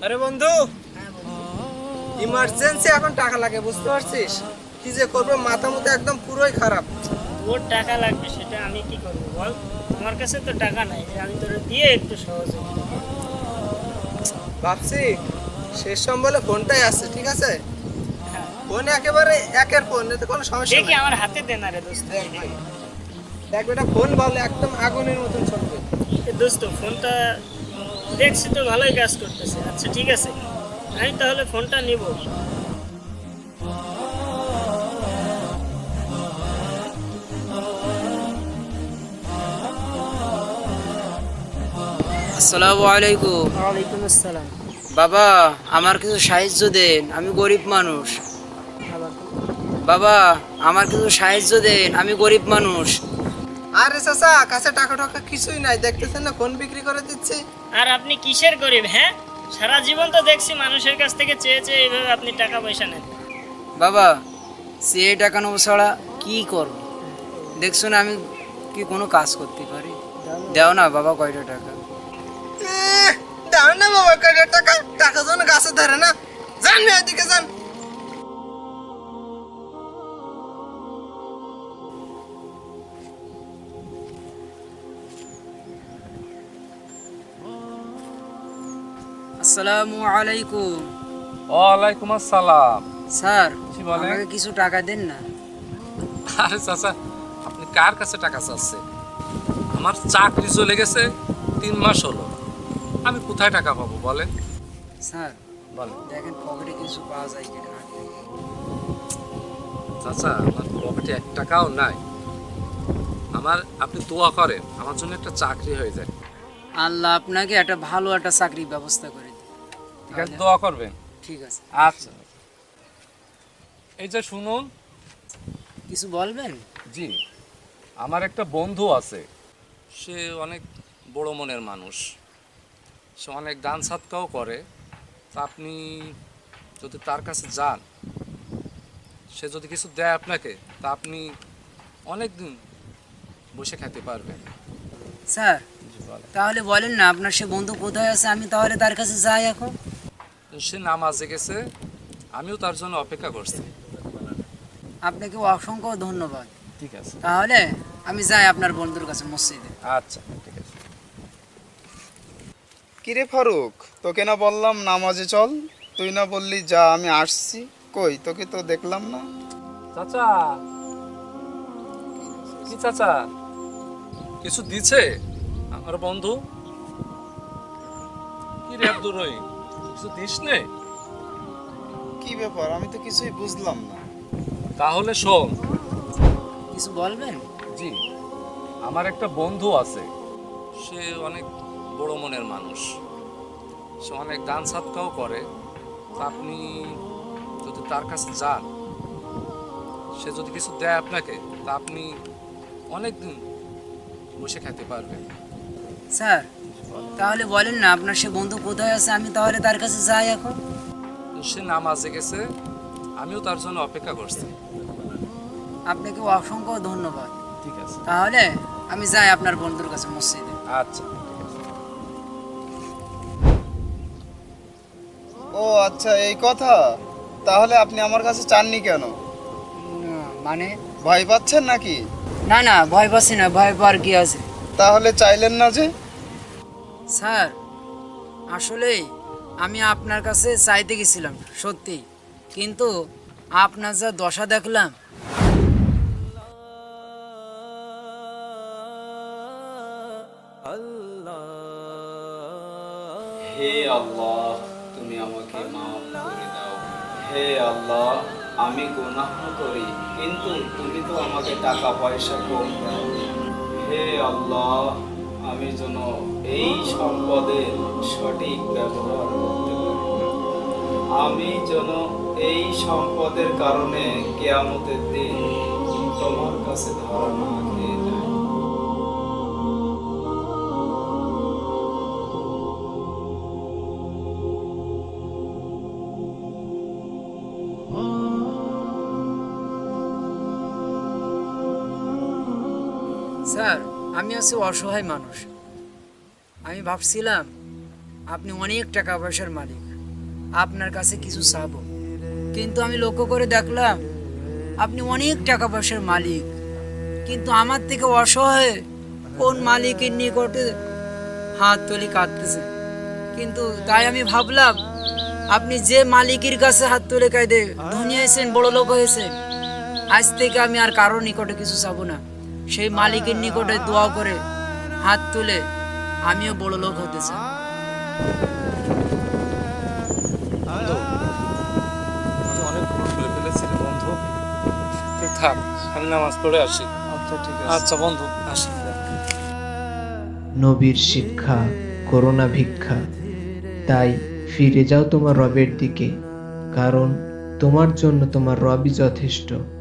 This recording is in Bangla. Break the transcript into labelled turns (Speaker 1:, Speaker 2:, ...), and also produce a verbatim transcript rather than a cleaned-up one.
Speaker 1: আরে বন্ধু, ইমার্জেন্সি এখন টাকা লাগে, বুঝতে পারছিস? কি যে করবো, মাথা মুথা একদম পুরোই খারাপ।
Speaker 2: তোর টাকা লাগবে সেটা আমি কি করবো বল। আমার কাছে তো টাকা নাই যে আমি তোর দিয়ে একটু সহযোগিতা করবো।
Speaker 1: ভাবছি শেষ সম্বলে ফোনটাই আছে, ঠিক আছে?
Speaker 2: হ্যাঁ,
Speaker 1: ফোন একেবারে একের ফোন, এতে কোনো সমস্যা
Speaker 2: দেখি
Speaker 1: নেই।
Speaker 2: আমার হাতে দে না রে দোস্ত।
Speaker 1: দেখ ভাই, দেখ বেটা, ফোন বলে একদম আগুনের মতন চলবে।
Speaker 2: এ দোস্ত ফোনটা দেখছি তো ভালোই কাজ করতেছে। আচ্ছা ঠিক আছে, আমি তাহলে ফোনটা নিব।
Speaker 3: আসসালামু আলাইকুম।
Speaker 2: ওয়ালাইকুম আসসালাম।
Speaker 3: বাবা, আমার কিছু সাহায্য দেন, আমি গরিব মানুষ।
Speaker 2: আবার
Speaker 3: বাবা, আমার কিছু সাহায্য দেন, আমি গরিব মানুষ।
Speaker 1: আরে চাচা, কাছে টাকা টাকা কিছুই নাই, দেখতেছেন না ফোন বিক্রি করে দিচ্ছি।
Speaker 2: আর আপনি কিসের গরিব? হ্যাঁ, সারা জীবন তো দেখছি মানুষের কাছ থেকে চেয়ে চেয়ে এইভাবে আপনি টাকা পয়সা নেন।
Speaker 3: বাবা, সে টাকা নেবো ছাড়া কি করব? দেখছো না আমি কি কোনো কাজ করতে পারি? দাও না বাবা, কয়টা টাকা।
Speaker 1: এহ, দাও না বাবা, কয়টা টাকা? টাকা যেন গাছে ধরে না। যান মেয়ে, এদিকে যান।
Speaker 3: আসসালামু আলাইকুম।
Speaker 4: ওয়ালাইকুম আসসালাম।
Speaker 3: স্যার,
Speaker 4: জি বলেন।
Speaker 3: আমাকে কিছু টাকা দেন না।
Speaker 4: আরে চাচা, আপনি কার কাছে টাকা চাচ্ছেন? আমার চাকরি চলে গেছে, তিন মাস হলো। আমি কোথায় টাকা পাবো বলেন?
Speaker 3: স্যার,
Speaker 4: বলেন
Speaker 3: দেখেন পকেটে কিছু পাওয়া যায় কিনা।
Speaker 4: চাচা, আমার পকেটে এক টাকাও নাই। আমার আপনি দোয়া করেন আমার জন্য একটা চাকরি হয়ে যায়।
Speaker 3: আল্লাহ আপনাকে একটা ভালো একটা চাকরির ব্যবস্থা করে দিন।
Speaker 4: ঠিক আছে, দোয়া করবেন।
Speaker 3: ঠিক আছে।
Speaker 4: আচ্ছা, এই যে শুনুন।
Speaker 3: কিছু বলবেন?
Speaker 4: জি, আমার একটা বন্ধু আছে, সে অনেক বড় মনের মানুষ, সে অনেক দান সৎকাও করে। তা আপনি যদি তার কাছে যান, সে যদি কিছু দেয় আপনাকে, তা আপনি অনেক দিন বসে খেতে পারবেন।
Speaker 3: স্যার,
Speaker 4: জি বলেন।
Speaker 3: তাহলে বলেন না আপনার সে বন্ধু কোথায় আছে, আমি তাহলে তার কাছে যাই এখন।
Speaker 4: সে নামাজে গেছে, আমিও তার জন্য অপেক্ষা করছি।
Speaker 3: আপনাকে অসংখ্য ধন্যবাদ।
Speaker 4: ঠিক আছে।
Speaker 3: তাহলে আমি যাই আপনার বন্ধুর কাছে মসজিদে।
Speaker 4: আচ্ছা, ঠিক আছে।
Speaker 5: কিরে ফারুক, তোকে না বললাম নামাজে চল, তুই না বললি যা, আমি আসছি। কই তোকে তো দেখলাম না।
Speaker 4: চাচা, কি চাচা, কিছু দিছে আমার বন্ধু? কি রে আব্দুর রহিম, কিছু দিস নে?
Speaker 5: কি ব্যাপার, আমি তো কিছুই বুঝলাম না।
Speaker 4: তাহলে শোন।
Speaker 3: কিছু বলবেন?
Speaker 4: জি, আমার একটা বন্ধু আছে, সে অনেক বড় মনের মানুষ, সে অনেক দান সৎকাও করে। তা আপনি যদি তার কাছে যান, সে যদি কিছু দেয় আপনাকে, তা আপনি অনেক দিন বসে খেতে পারবেন।
Speaker 3: স্যার, তাহলে বলেন না আপনার সে বন্ধু কোথায় আছে, আমি তাহলে তার কাছে যাই এখন।
Speaker 4: সে নামাজে গেছে, আমিও তার জন্য অপেক্ষা করছি।
Speaker 3: আপনাকে অসংখ্য ধন্যবাদ।
Speaker 4: ঠিক আছে।
Speaker 3: তাহলে আমি যাই আপনার বন্ধুর কাছে মসজিদে।
Speaker 4: আচ্ছা, ঠিক আছে।
Speaker 5: ও আচ্ছা, এই কথা। তাহলে আপনি আমার কাছে চাননি কেন?
Speaker 3: উম, মানে
Speaker 5: ভয় পাচ্ছেন নাকি?
Speaker 3: না না, ভয় পাচ্ছি না, ভয় পাওয়ার কি আছে।
Speaker 5: তাহলে চাইলেন না যে?
Speaker 3: স্যার, আসলেই আমি আপনার কাছে চাইতে গেছিলাম সত্যি, কিন্তু আপনার যা দশা দেখলাম।
Speaker 6: হে আল্লাহ, তুমি আমাকে মাফ করে দাও। হে আল্লাহ, আমি গুনাহ করি, কিন্তু তুমি তো আমাকে টাকা পয়সা কম দাও। হে আল্লাহ, আমি যেন এই সম্পদের সঠিক ব্যবহার করতে পারি। আমি যেন এই সম্পদের কারণে কিয়ামতের দিন তোমার কাছে ধরা না খেয়ে যাই।
Speaker 3: স্যার, আমি আছি অসহায় মানুষ। আমি ভাবছিলাম আপনি অনেক টাকা পয়সার মালিক, আপনার কাছে কিছু চাবো, কিন্তু আমি লক্ষ্য করে দেখলাম আপনি অনেক টাকা পয়সার মালিক, কিন্তু আমার থেকে অসহায় কোন মালিকের নিকটে হাত তুলি কাঁদতেছে। কিন্তু তাই আমি ভাবলাম আপনি যে মালিকের কাছে হাত তুলে কাঁদে ধনী হয়েছেন, বড় লোক হয়েছেন, আজ থেকে আমি আর কারোর নিকটে কিছু চাবো না। সেই মালিকের নিকটে দোয়া করে হাত তুলে আমিও বড় লোক হতে চাই।
Speaker 4: বন্ধু আমি অনেক ভুল করে ফেলেছি রে বন্ধু, তুই থাক, আমি নামাজ পড়ে আসি।
Speaker 5: আচ্ছা ঠিক
Speaker 4: আচ্ছা বন্ধু আসি।
Speaker 7: নবীর শিক্ষা করোনা ভিক্ষা, তাই ফিরে যাও তোমার রবের দিকে, কারণ তোমার জন্য তোমার রবই যথেষ্ট।